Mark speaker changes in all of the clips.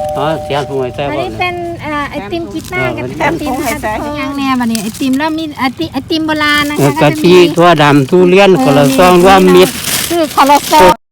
Speaker 1: อ๋อเสียงผู้ใหญ่ใจบ่
Speaker 2: อันนี้เป็นไอติมกีตาร์กับไอติมค่ะทุกอย่างแน่บัดนี้ไอติมแล้วมีไอติมโบราณนะคะ
Speaker 1: กะทิถั่วดำทุเรียนคนละซองรวมมิตร
Speaker 2: คือคอเลสเตอรอล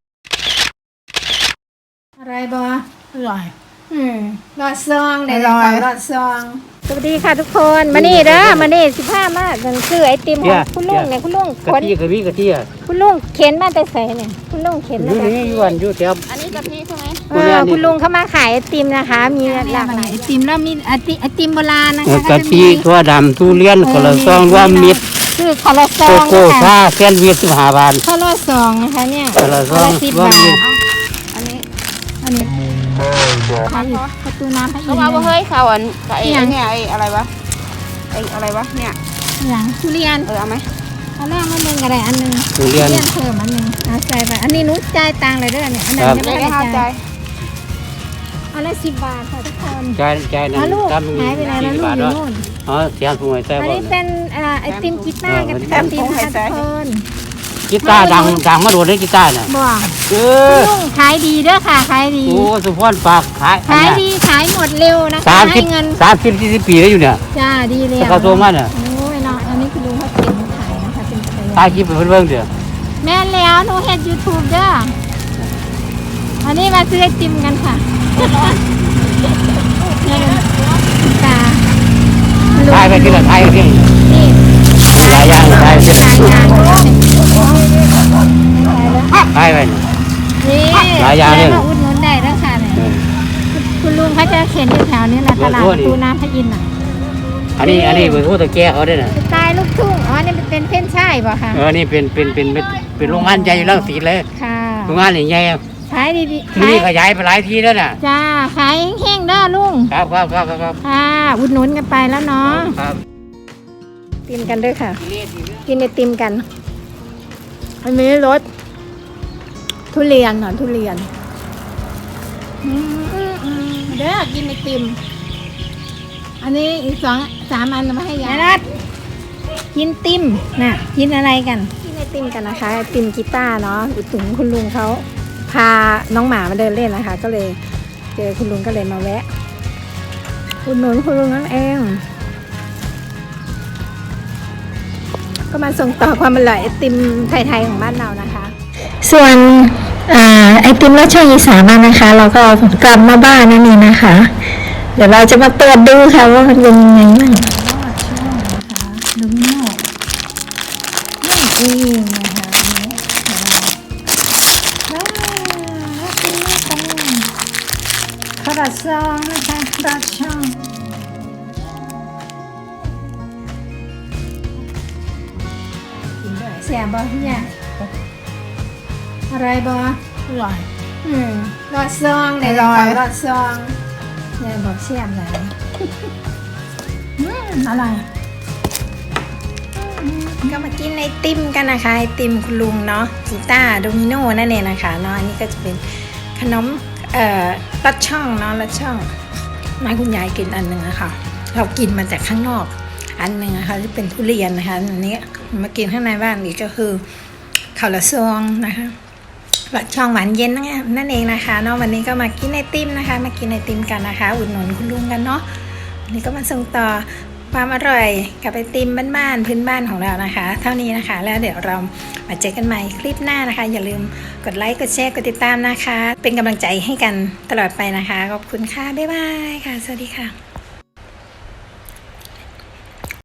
Speaker 2: อะไรบ่อร่อยรอดซองได้รอดซองสวัสดีค่ะทุกคนมานี่เด้อมานี่15 มามันคือไอติมของคุณลุงเนี่ยคุณลุง
Speaker 1: กะทิกะทิกะทิอ่ะ
Speaker 2: คุณลุงเข็นมาแต่ใส่เนี่ยคุณลุงเข็นมาจาก
Speaker 1: นี่อยู่อันอยู่แถว
Speaker 3: อันนี้กะทิใช่ไหม
Speaker 2: คุณลุงเขามาขายไอติมนะคะมีหลากหลายไอติมแล้วมีไอติมโบราณนะคะ
Speaker 1: กะทิถั่วดำทุเรียนคนละซองรวมมิตร
Speaker 2: คือคอเลสเตอ
Speaker 1: โก
Speaker 2: รอล
Speaker 1: โก้ชาแซนด์วิช15 บาท
Speaker 2: คอเลสเตอรอลนะคะเนี่ย
Speaker 1: คนละซอง
Speaker 2: 10
Speaker 1: รวม
Speaker 2: บา
Speaker 1: มิ
Speaker 2: ท
Speaker 1: ตร
Speaker 3: อันนี้
Speaker 2: อันนี้ขายอยู่ประตูน้ำพระอินท
Speaker 3: เขา
Speaker 2: ร์
Speaker 3: ว่าเฮ้ยเขาอันไอ้เนี่ยไอ้อะไรวะไอ้อะไรวะเนี่ย
Speaker 2: อย่างทุเรียน
Speaker 3: เอาไหม
Speaker 2: เอาแรกมาหนึ่งอะไรอันหนึ่ง
Speaker 1: ทุเรียน
Speaker 2: เพิ่มอันหนึ่งเอาใส่ไปอันนี้นุ๊กจ่ายตังค์เลยเด้อเนี่ยอันนั้นยัง
Speaker 3: ไม่
Speaker 2: ไม่
Speaker 3: ได้
Speaker 2: ได้
Speaker 3: เข้าใจ
Speaker 2: จ่ายเอาละ10 บาทค่ะทุกคน
Speaker 1: ใจนั่น
Speaker 2: ลูก
Speaker 1: ทำ
Speaker 2: หายไปไหนแล้วลูก
Speaker 1: บาท
Speaker 2: อยู่
Speaker 1: เนาะ
Speaker 2: นู่น
Speaker 1: อ๋อเสียงผู้ใหญ่ใจ
Speaker 2: อัน
Speaker 1: บ่
Speaker 2: นี้เป็นไอติมกีตาร์กับไอติมค่ะทุกคน
Speaker 1: กีตาร์ดังมาโดดเลยกีตาร์น่ะ
Speaker 2: บอก
Speaker 1: เอ
Speaker 2: คุณ
Speaker 1: อ
Speaker 2: ลุงขายดีเด้อค่ะขายดี
Speaker 1: โอ้สุพรฝากขาย
Speaker 2: ขายดีขายหมดเร็วนะคะ
Speaker 1: 30
Speaker 2: ให้เงิน
Speaker 1: 40 ปีแล้วอยู่เนี่ย
Speaker 2: จ้าดีเลย
Speaker 1: แต่เขาโทรมาเนี่ย
Speaker 2: โอ้ยเนาะอันนี้คุณลุงเขาเก็บมาขายนะคะเป็นจักรยา
Speaker 1: ถ่าย
Speaker 2: น
Speaker 1: คลิปให้เพิ่นเบิ่งเด้อ
Speaker 2: แม่นแล้วหนูเฮ็ด YouTube เด้ออันนี้มาซื้อไอติมกันค่ะนี่ตา
Speaker 1: ถ่ายไปที่ละถ่ายไปที่
Speaker 2: นี่
Speaker 1: หลายอย่างถ่ายไปที่
Speaker 2: ขายงาน
Speaker 1: ถ่ายไป
Speaker 2: นี่
Speaker 1: หลายอย่างเลย
Speaker 2: มาอุดหนุนได้แล้วค่ะเนี่ยคุณลุงเขาจะเข็นอยู่แถวนี้แหละตลาดประตูน้ำพระอินทร์น่ะ
Speaker 1: อันนี้เบอร์โทรตะแกเขาได้น่ะ
Speaker 2: สไตล์ลูกทุ่งอ๋อนี่เป็นเพ่นช่ายป่ะคะ
Speaker 1: นี่เป็นโรงงานใหญ่อยู่รังสิตเลย
Speaker 2: ค่ะ
Speaker 1: โรงงานใหญ่
Speaker 2: ขายดี
Speaker 1: ที
Speaker 2: ขาย
Speaker 1: นี้ขยายไปหลายที่แล้วน่ะ
Speaker 2: จ้าขายแห้งๆเด้อลุง
Speaker 1: ครับ
Speaker 2: ค่ะอุดหนุนกันไปแล้วเนาะ
Speaker 1: ครับ
Speaker 2: กินกันด้วยค่ะ กินไอติมกันอันนี้รสทุเรียนหนอนทุเรียนเด้อกินไอติมอันนี้อีก3 อันเรามาให้ยายนัดกินติมน่ะกินอะไรกันกินไอติมกันนะคะไอติมกีตาร์เนาะอุดหนุนคุณลุงเขาพาน้องหมามาเดินเล่นนะคะ ก็เลยเจอคุณลุงก็เลยมาแวะอุดหนุนคุณลุงนั่นเองก็มาส่งต่อความอร่อยไอติมไทยๆของบ้านเรานะคะ ส่วนไอติมรสช่องอีสานมานะคะ เราก็กลับมาบ้านนั่นเองนะคะ เดี๋ยวเราจะมาเปิดดูค่ะว่ามันเป็นยังไงบ้างดูโน่นี่เองนะคะเป็นนี่ของคาราซองนะคะคาราช่องเสียบอพี่ใหญ่อะไรบออร่อยรอดซองได้รอดซองเนี่ยบอกเสียบเลยอะไรก็มากินไอติมกันนะคะไอติมคุณลุงเนาะกีตาร์โดมิโนนั่นเองนะคะเนาะอันนี้ก็จะเป็นขนมลัดช่องเนาะลัดช่องนายคุณยายกินอันหนึ่งนะคะเรากินมาจากข้างนอกอันหนึ่งนะคะที่เป็นทุเรียนนะคะอันนี้มากินข้างในบ้านอีกก็คือข้าวละซองนะคะลัดช่องหวานเย็นนั่นเองนะคะเนาะวันนี้ก็มากินไอติมนะคะมากินไอติมกันนะคะอุดหนุนคุณลุงกันเนาะวันนี้ก็มาส่งต่อความอร่อยกับไอติมบ้านๆพื้นบ้านของเรานะคะเท่านี้นะคะแล้วเดี๋ยวเรามาเจอกันใหม่คลิปหน้านะคะอย่าลืมกดไลค์กดแชร์กดติดตามนะคะเป็นกำลังใจให้กันตลอดไปนะคะขอบคุณค่ะบ๊ายบายค่ะสวัสดีค่ะ